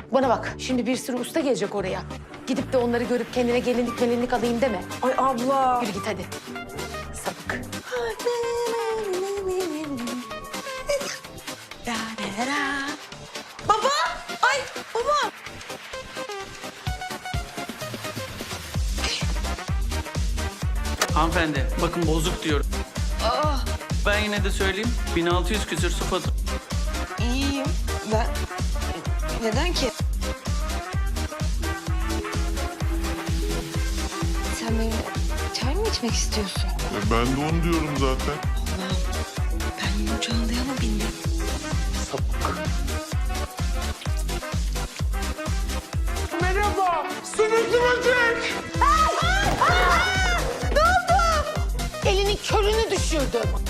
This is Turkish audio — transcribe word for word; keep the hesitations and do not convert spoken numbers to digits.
Bana bak, şimdi bir sürü usta gelecek oraya. Gidip de onları görüp kendine gelinlik melinlik alayım deme. Ay abla. Yürü git hadi. Sapık. Baba! Ay baba! Hanımefendi, bakın bozuk diyorum. Ben yine de söyleyeyim, bin altı yüz küsür su faturası. İyiyim. Ben... Neden ki? Sen benimle çay mı içmek istiyorsun? E, ben de onu diyorum zaten. Allah'ım. Ben yine uçağınlığa mı bindim? Merhaba, sümüklü böcek. Elinin körünü düşürdüm.